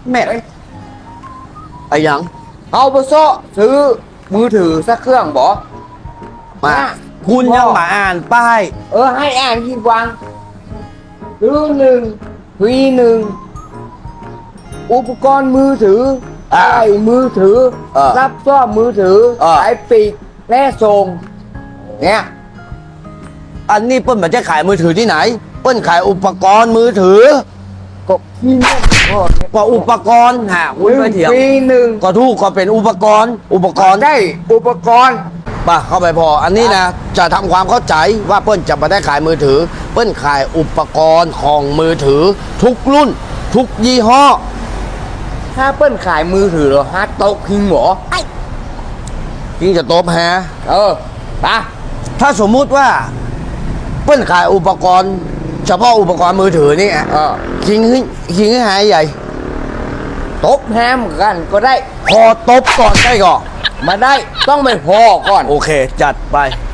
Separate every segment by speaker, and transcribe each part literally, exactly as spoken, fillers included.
Speaker 1: แม่ไอ้ยัง
Speaker 2: เอาไปโซ่ซื้อมือถือสักเครื่องบอ
Speaker 1: มาคุณยังมาอ่านป้าย
Speaker 2: เออให้อ่านที่วางซื้อหนึ่งฟรีหนึ่งอุปกรณ์มือถือไอ้มือถือ
Speaker 1: เออ
Speaker 2: รับซ่อมมือถือ
Speaker 1: เออ
Speaker 2: ไอ้ปีกและส่งเนี่ย
Speaker 1: อันนี้เปิ้ลมาจะขายมือถือที่ไหน เปิ้ลขายอุปกรณ์มือถือ
Speaker 2: ก็ที่นี่ก็
Speaker 1: ก็อุปกรณ์ฮะคุณไม่เถียง
Speaker 2: ฟรีหนึ่ง
Speaker 1: ก็ถูกก็เป็นอุปกรณ์ อุปกรณ์
Speaker 2: ได้อุปกรณ์
Speaker 1: ป่ะเข้าไปพอ อันนี้นะจะทำความเข้าใจว่าเปิ้ลจะมาได้ขายมือถือ เปิ้ลขายอุปกรณ์ของมือถือ ทุกรุ่น ทุกยี่ห้อ
Speaker 2: ถ้าเปิ้ลขายมือถือเหรอฮาร์ดโต๊ะพิงเหรอ
Speaker 1: ยิ่งจะโตบแฮะ
Speaker 2: เออปะ
Speaker 1: ถ้าสมมุติว่า เปิ้ลขายอุปกรณ์ เฉพาะอุปกรณ์มือถือนี่อ่ะ
Speaker 2: เออ
Speaker 1: คิงให้คิงให้หายใหญ่
Speaker 2: ตบแฮมกันก็ได้
Speaker 1: พอตบก่อนได้ก่อน
Speaker 2: มาได้ต้องไปพอก่อน
Speaker 1: โอเค จัดไป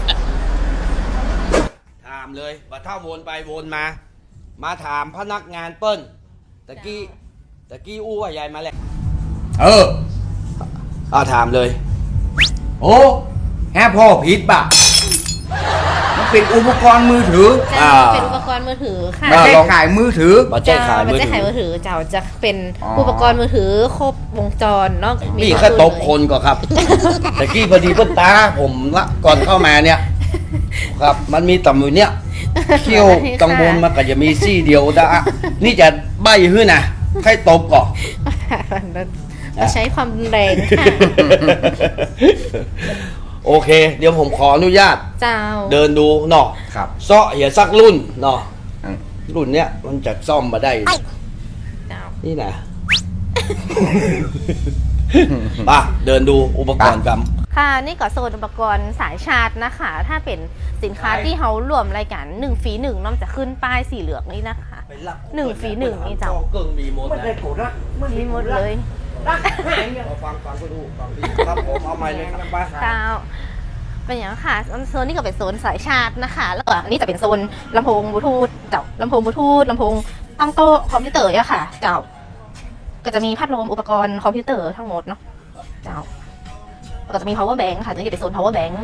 Speaker 1: ถามเลยว่าถ้าวนไปวนมา มาถามพนักงานเปิ้ลตะกี้ตะกี้อู้ว่ายายมาแล้ว
Speaker 2: เออ
Speaker 1: อ่าถามเลย
Speaker 2: โอ้แฮพ่อผิดป่ะมันเป็นอุปกรณ์มือถือ
Speaker 3: ใช่เป็นอุปกรณ์มือถือค่ะ
Speaker 2: ไม่ได้ขายมือถือ
Speaker 1: มาแจ้งขาย
Speaker 3: มั
Speaker 1: มือ
Speaker 3: จะ
Speaker 1: ถื
Speaker 3: ขาย
Speaker 1: อ
Speaker 3: มือถือเจ้าจะเป็น
Speaker 2: อ๋ออุ
Speaker 3: อุปกรณ์มือถือครบวงจรเนาะ
Speaker 1: นี่
Speaker 3: ทุก
Speaker 1: แค่ตบ
Speaker 3: เลย
Speaker 1: คนก็ครับ ตะกี้พอดีเปิ้ลตาผมละก่อนเข้ามาเนี่ย ครับ มันมีต่ำอยู่เนี่ยเขี้ยวกังวลมันก็จะมีซี่เดียวนะอ่ะนี่จะใบหื้อนะให้ตบก่อน
Speaker 3: เราใช้ความรุนแรงค่ะ
Speaker 1: โอเค เดี๋ยวผมขออนุญาต
Speaker 3: เจ้า
Speaker 1: เดินดูเนาะ
Speaker 2: ครับ
Speaker 1: เซาะเหียสักรุ่นเนาะ
Speaker 2: อืม
Speaker 1: รุ่นเนี้ยมันจะซ่อมมาได้
Speaker 3: เจ้า
Speaker 1: นี่นะ ป่ะเดินดูอุปกรณ์กัน
Speaker 3: ค่ะนี่ก็โซนอุปกรณ์สายชาร์จนะคะ ถ้าเป็นสินค้าที่เขารวมรายการหนึ่งฟรีหนึ่งน้องจะขึ้นป้ายสีเหลืองนี่นะคะ หนึ่งฟรีหนึ่งนี่เจ้า
Speaker 1: เกิ่งมีหมด
Speaker 2: ไม่ได้
Speaker 1: นะ
Speaker 2: โกรธละ
Speaker 3: มีหมดเลย
Speaker 2: รักหายเนี่ย
Speaker 1: เอาฟังฟังก็ดูฟังดีครับผมเอาไม้เลยครับป้า
Speaker 3: เจ้าเป็นอย่างนั้นค่ะโซนนี้ก็เป็นโซนสายชาร์จนะคะ แล้วก็อันนี้จะเป็นโซนลำโพงบลูทูธเจ้าลำโพงบลูทูธลำโพงตั้งโต๊ะคอมพิวเตอร์อะค่ะ เจ้า ก็จะมีพัดลมอุปกรณ์คอมพิวเตอร์ทั้งหมดเนาะเจ้าก็จะมี power bank ค่ะตัวนี้จะเป็นโซน power bank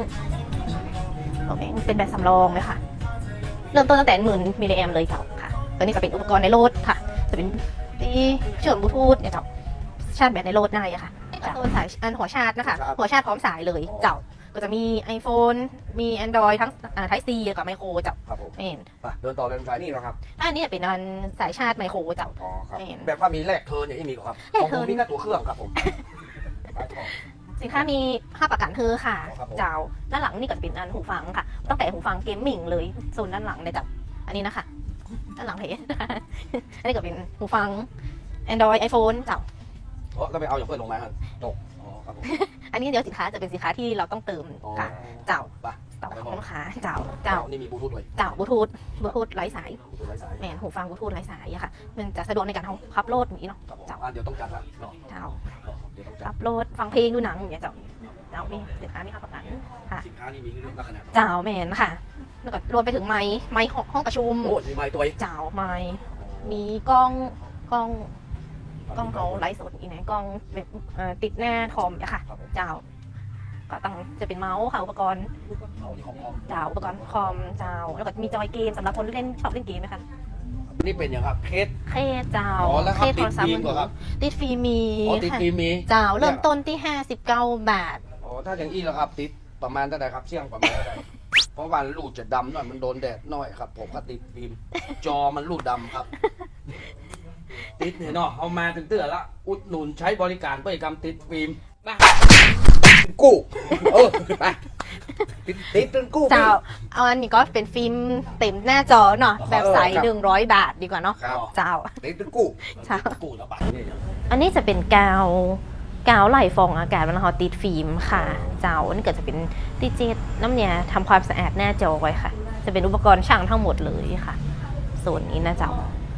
Speaker 3: power bank เป็นแบบสำรองเลยค่ะ เริ่มต้นตั้งแต่หมื่นมิลลิแอมเลยเจ้าค่ะตัวนี้จะเป็นอุปกรณ์ในรถค่ะ จะเป็นที่เชื่อมบลูทูธเนี่ยเจ้าชาร์จแบตในรถได้อะค่ะโซนสายอันหัวชาร์จนะคะหัวชาร์จพร้อมสายเลยเจ้าก็จะมี iPhone มี Android ทั้งอ่า Type C กับไมโครเจ้า
Speaker 1: ครับผม
Speaker 3: เห็น
Speaker 1: ไปเดินต่อเดินสายนี่เหรอครับ
Speaker 3: อันนี้เป็นอันสายชาร์จไมโครเจ้า
Speaker 1: อ๋อครับ
Speaker 3: เห็น
Speaker 1: แบบว่ามีแลกเทิร์นอย่างนี้มีเหรอครับ
Speaker 3: แล
Speaker 1: ข
Speaker 3: ก
Speaker 1: อง
Speaker 3: เทิ
Speaker 1: ผ
Speaker 3: ร์
Speaker 1: ม
Speaker 3: น
Speaker 1: มีแค่ตัวเครื่องครับผม
Speaker 3: สินค้ามีห้าประกันคือค่ะ
Speaker 1: ครับผม
Speaker 3: เจ้าด้านหลังนี่ก็เป็นอันหูฟังค่ะ ตั้งแต่หูฟังเกมมิ่งเลยโซนด้านหลังเลยจ้ะอันนี้นะคะด้านหลังเพจ อันนี้ก็เป็นหูฟัง Android iPhone เจ้า
Speaker 1: โอ้แล้วไปเอาอย่างเพื่อนลงมาครับตกอ๋อครับผม
Speaker 3: อันนี้เดี๋ยวสินค้าจะเป็นสินค้าที่เราต้องเติม
Speaker 1: อ๋อ
Speaker 3: ค่ะ เจ้า
Speaker 1: ไป
Speaker 3: เจ้าของลูกค้าเจ้าเจ้า
Speaker 1: นี่มีบลูทูธด้วย
Speaker 3: เจ้าบลูทูธบลูทูธไร้สาย
Speaker 1: บลูทูธไร้สาย
Speaker 3: แมนหูฟังบลูทูธไร้สายอะค่ะ มันจะสะดวกในการขับโหลดอย่างนี้เนาะ
Speaker 1: ครับผม
Speaker 3: เจ้า
Speaker 1: อ่ะเดี๋ยวต้องจัดละเนาะ
Speaker 3: เจ้า
Speaker 1: เดี๋ยวต้องจั
Speaker 3: ขั
Speaker 1: ด
Speaker 3: บโหลดฟังเพลงดูหนังอย่างเงี้ยเจ้าเจ้ามีสินค้ามีห้าประกันค่ะ
Speaker 1: สินค้านี่มีเรื่องลักษณะ
Speaker 3: เจ้าแมนค่ะ แล้วก็รวมไปถึงไม้ไม้ห้องประชุม
Speaker 1: โอ้มีไม้ตัวอีก
Speaker 3: เจ้าไม้มีกล้องกล้องกล้องเขาไลฟ์สดอีกนะกล้องแบบเอ่อติดหน้าคอมอะค่ะ เจ้า ก็ต้องจะเป็นเมาส์ค่ะอุปกรณ์
Speaker 1: เอานี่ของของ
Speaker 3: เจ้าอุปกรณ์คอมเจ้า แล้วก็มีจอยเกมสำหรับคนที่เล่นชอบเล่นเกมนะคะ
Speaker 1: นี่เป็นอย่างครับเคส
Speaker 3: เคสเจ้า
Speaker 1: อ๋อแล้วค
Speaker 3: เครับ สโทรศัพท์
Speaker 1: ติดฟิล์มเหรอครับ
Speaker 3: ติดฟิล์มมี
Speaker 1: อ๋อติด
Speaker 3: ค่ะ
Speaker 1: ฟิล์มมี
Speaker 3: เจ้าเริ่มต้นที่ห้าสิบเก้าบาท
Speaker 1: อ๋อถ้าอย่างอี้แล้วครับติดประมาณเท่าไหร่ครับเสี่ยงประมาณเท่าไหร่เพราะว่าลูกจะดำหน่อยมันโดนแดดหน่อยครับ ผมก็ติดฟิล์มจอมันลูกดำครับ ติดเนี่ยเนาะเอามาถึงเตือนละอุดหนุนใช้บริการบริกรรมติดฟิล์มไปกู้เออไปติดติดเป็นกู้
Speaker 3: เจ้าเอาอันนี้ก็เป็นฟิล์มเต็มหน้าจอเนาะแบบใส
Speaker 2: เออครับ
Speaker 3: หนึ่งร้อยบาทดีกว่าเนาะ
Speaker 2: ครับ
Speaker 3: เจ้า
Speaker 2: ติดเป็นกู้
Speaker 3: เจ้า
Speaker 1: กู้ระบาดนี่
Speaker 3: อันนี้จะเป็นกาวกาวไหลฟองอากาศมันเขาติดฟิล์มค่ะ เจ้าอันนี้ก็จะเป็นดิจิตน้ำเนี่ยทำความสะอาดหน้าจอไว้ค่ะ จะเป็นอุปกรณ์ช่างทั้งหมดเลยค่ะส่วนนี้นะเจ้า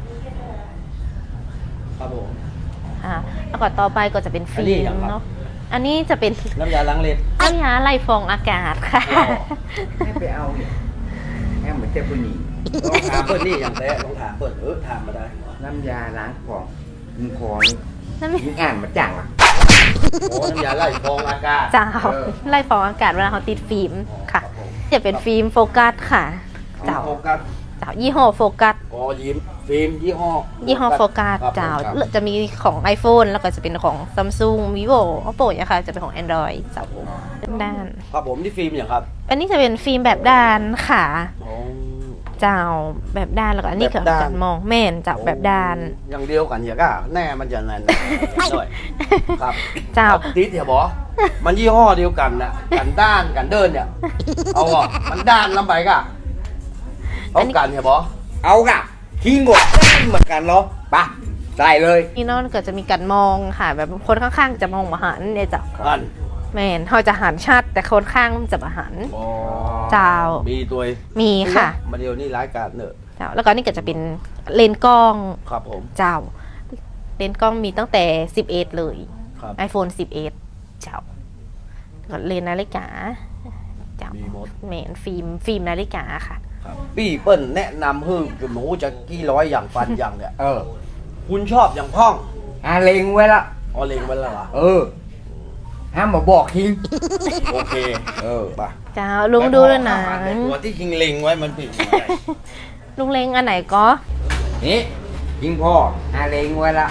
Speaker 1: ครับผม
Speaker 3: อ่าแล้วก็ต่อไปก็จะเป็นฟิล์มเนาะอันนี้จะเป็น
Speaker 1: น้ำยาล้างเล็บ
Speaker 3: น้ำยาไหลฟองอากาศค่ะ
Speaker 2: ให้ไปเอาเนี่ยแฮมเหมือนเจ้าผู้หญิง
Speaker 1: ลองถามเปิดนี่อย่างแท้ลองถามเปิดเออถามมาได้
Speaker 2: น้ำยาล้างของมึงขอนี่
Speaker 3: นั่นไม่
Speaker 2: มึงอ่านมาจังอ่ะ
Speaker 1: โอ้น้ำยาไล่ฟองอากาศ
Speaker 3: เจ้า
Speaker 2: เออ
Speaker 3: ไล่ฟองอากาศเวลาเขาติดฟิล์มค่ะ
Speaker 1: รับผม
Speaker 3: จะเป็นฟิล์มโฟกัสค่ะ เจ้า
Speaker 1: โฟกัส
Speaker 3: เจ้ายี่ห้อโฟกัส
Speaker 1: อ๋อยิ้มฟิล์มยี่ห้อ
Speaker 3: ยี่ห้อโฟกัส
Speaker 1: ครับ
Speaker 3: เจ้า
Speaker 1: ครับ
Speaker 3: จะมีของ iPhone แล้วก็จะเป็นของ Samsung Vivo Oppo อะค่ะจะเป็นของ Android เจ้าด้าน
Speaker 1: ครับผมที่ฟิล์มอย่างครับ
Speaker 3: อันนี้จะเป็นฟิล์มแบบด้านค่ะ
Speaker 1: อ๋อ
Speaker 3: เจ้าแบบด้านแล้วก็อันนี้
Speaker 1: แบ
Speaker 3: คือบ
Speaker 1: ด้าน
Speaker 3: การมองแม่นเจ้าแบบด้าน
Speaker 1: อย่างเดียวกันอย่าก้าแน่มันจะแน่นด้วยครับ
Speaker 3: เจ้า
Speaker 1: ครับติดเดี๋ยวบอมันยี่ห้อเดียวกันนะกันด้านกันเดินเนี่ยเอาอ่ะมันด้านลำไปกะเอากันเดี๋ยวบอ
Speaker 2: เอากะทิ้งหมดเหมือนกันเหรอปะได้เลย
Speaker 3: นี่เนอกก็จะมีการมองค่ะ แบบคนข้างๆจะมองมาหันเนี่ยเจ้า
Speaker 1: อัน
Speaker 3: แม่นเขาจะหันชัดแต่คนข้างจะมาหัน
Speaker 1: อ๋อ
Speaker 3: เจ้า
Speaker 1: มีตัว
Speaker 3: มีค่ะ
Speaker 1: มาเดียวนี่ร้ายกาจเนอะ
Speaker 3: เจ้าแล้วก็นี่ก็จะเป็นเลนส์กล้อง
Speaker 1: ครับผม
Speaker 3: เจ้า เลนส์กล้องมีตั้งแต่สิบเอ็ดเลย
Speaker 1: ครับ
Speaker 3: iPhone สิบเอ็ดเจ้าก็เลนส์นาฬิกาเจ้า
Speaker 1: มีหมด
Speaker 3: แมนฟิล์มฟิล์มนาฬิกาค่ะ
Speaker 1: ครับพี่เปิ้ลแนะนำให้คือหนูจะกี่ร้อยอย่างฟันอย่างเนี่ย
Speaker 2: เออ
Speaker 1: คุณชอบอย่างพ่อง
Speaker 2: อาเลงไว้ละ
Speaker 1: อ๋อเลงไว้แล้วเหรอ
Speaker 2: เออห้ามมาบอกทิ้ง
Speaker 1: โอเค
Speaker 2: เออ
Speaker 1: ไป
Speaker 3: เจ้าลุงดูด้วยนะ
Speaker 1: แต่ตัวที่คิงเลงไว้มันผิดยังไง
Speaker 3: ลุงเลงอันไหนก็
Speaker 2: นี่ทิ้งพ่ออาเลงไว้ละ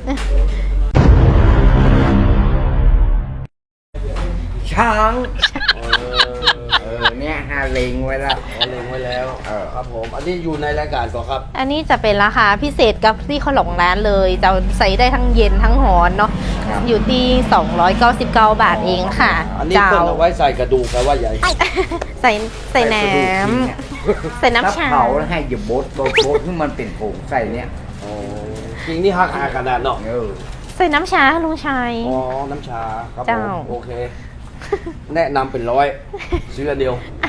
Speaker 2: ช้าง
Speaker 1: เออ
Speaker 2: เออเนี่ยอาเลงไว้ละ
Speaker 1: อ๋อเลงไว้แล้ว
Speaker 2: เออ
Speaker 1: ครับผม อันนี้อยู่ในรายการก่อนครับ
Speaker 3: อันนี้จะเป็นราคาพิเศษกับที่เขาหลงร้านเลยจะใส่ได้ทั้งเย็นทั้งหอนเนาะอยู่ที่สองร้อยเก้าสิบเก้าบาทเองค่ะ
Speaker 1: อันนี้
Speaker 3: เจ้า
Speaker 1: เปิ้ลเอาไว้ใส่กระดูกแปลว่าใหญ่
Speaker 3: ใส่ใส่น้
Speaker 2: กระดูกทิ้งเนี่ย
Speaker 3: ำใส่น้ำชา
Speaker 2: ถ้เผาแล้วให้อย่าบดโบดโบดให้มันเป็นผงใส่เนี่ย
Speaker 1: อ๋อจริงนี่ฮักอาขนาดเนาะ
Speaker 2: เออ
Speaker 3: ใส่น้ำชาลุงชัย
Speaker 1: อ๋อ น้ำชาครับผ
Speaker 3: เจ้า
Speaker 1: ม โอเค แนะนำเป็นร้อยซื้ออันเดียว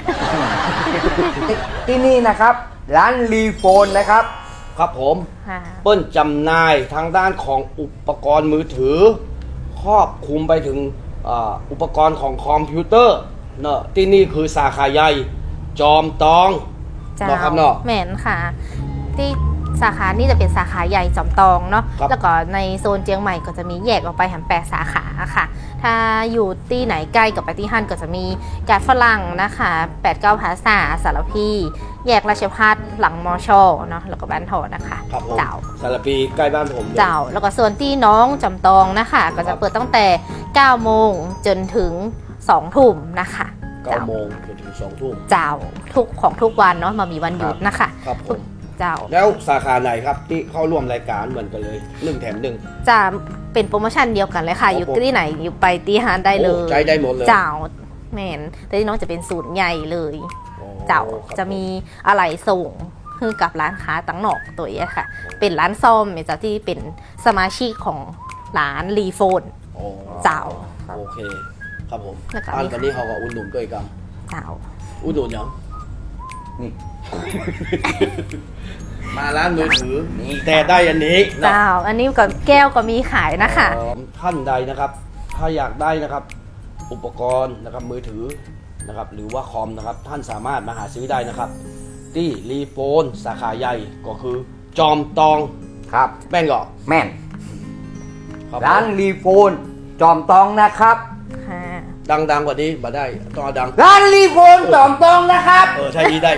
Speaker 2: ที่นี่นะครับ ร้านรีโฟนนะครับ
Speaker 1: ครับผม
Speaker 3: ค่ะ
Speaker 1: เปิ้ลจำหน่ายทางด้านของอุปกรณ์มือถือ ครอบคลุมไปถึงอ่าอุปกรณ์ของคอมพิวเตอร์เนอะที่นี่คือสาขาใหญ่จอมตอง
Speaker 3: เจ้า
Speaker 1: เนาะครับเนาะ
Speaker 3: แม่นค่ะ ที่สาขานี่จะเป็นสาขาใหญ่จอมตองเนาะ
Speaker 1: ครับ
Speaker 3: แล้วก็ในโซนเจียงใหม่ก็จะมีแยกออกไปแหมแปดสาขาค่ะ ถ้าอยู่ที่ไหนใกล้กับไปที่ฮั่นก็จะมีการฝรั่งนะคะแปดเก้าภาษาสารพีแยกราชพัฒหลังมอชอเนาะแล้วก็บ้านทอนะคะ
Speaker 1: ครับผม
Speaker 3: เจ้า
Speaker 1: สารปีใกล้บ้านผมเลย
Speaker 3: เจ้าแล้วก็ส่วนที่น้องจำตองนะคะ ก็จะเปิดตั้งแต่เก้าโมงจนถึงสองทุ่มนะคะ
Speaker 1: เก้าโมงจนถึงสองทุ่ม
Speaker 3: เจ้าทุกของทุกวันเนาะมามีวันหยุดนะคะ
Speaker 1: ครับผม
Speaker 3: เจ้า
Speaker 1: แล้วสาขาไหนครับที่เข้าร่วมรายการเหมือนกันเลยหนึ่งแถมหนึ่ง
Speaker 3: จะเป็นโปรโมชั่นเดียวกันเลยค่ะ
Speaker 1: ครับ
Speaker 3: อยู่
Speaker 1: ผม
Speaker 3: ที่ไหนอยู่ไปตีฮานได้เลย
Speaker 1: โอ้ใจได้หมดเลย
Speaker 3: เจ้าแมนแต่ที่น้องจะเป็นศูนย์ใหญ่เลย
Speaker 1: อ๋อ
Speaker 3: เจ้า
Speaker 1: ครับ
Speaker 3: จะมีอะไรส่งคือกับร้านค้าตั้งหนอกตัวเองค่ะ เป็นร้านซ่อมเจ้าที่เป็นสมาชิกของร้านรีโฟน
Speaker 1: อ๋อ
Speaker 3: เจ้า
Speaker 1: โอเค ครับผม
Speaker 3: แล้วก็
Speaker 1: อัน
Speaker 3: มี
Speaker 1: วันนี้เขาก็อุ่นหนุนด้วยกัน
Speaker 3: เจ้า
Speaker 1: อุ่นหนุนยัง
Speaker 2: นี่
Speaker 1: มาร้านมือถือ
Speaker 2: นี่
Speaker 1: แต่ได้อันนี้นะ
Speaker 3: เจ้า อันนี้กับแก้วก็มีขายนะคะ
Speaker 1: อ๋อท่านใดนะครับ ถ้าอยากได้นะครับ อุปกรณ์นะครับมือถือนะครับ หรือว่าคอมนะครับ ท่านสามารถมาหาซื้อได้นะครับ ที่รีโฟนสาขาใหญ่ก็คือจอมตอง
Speaker 2: ครับ
Speaker 1: แม่งก่อ
Speaker 2: แม่น
Speaker 1: ครับ
Speaker 2: ร้านรีโฟน จอมตองนะครับ
Speaker 3: ค่ะ
Speaker 1: ดังๆกว่านี้มาได้ต้องเอาดัง
Speaker 2: ร้านรีโฟน จอมตองนะครับ
Speaker 1: เออใช่ดีได้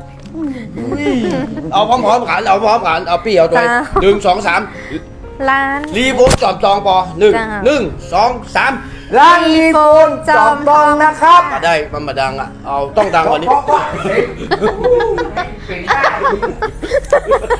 Speaker 1: เอาพร้อมๆกันเอาพร้อมๆกันเอาพี่เอาตัว
Speaker 3: จ้า
Speaker 1: หนึ่งสองสาม
Speaker 3: ร้าน
Speaker 1: รีโฟนจอมตองปอหนึ่ง
Speaker 3: จ้า
Speaker 1: หนึ่งสองสาม
Speaker 2: ร้านรีโฟน จอมตองนะครับ
Speaker 1: มาได้มันมาดังอ่ะเอาต้องดังกว่านี้
Speaker 2: เพราะว่าเป็นได้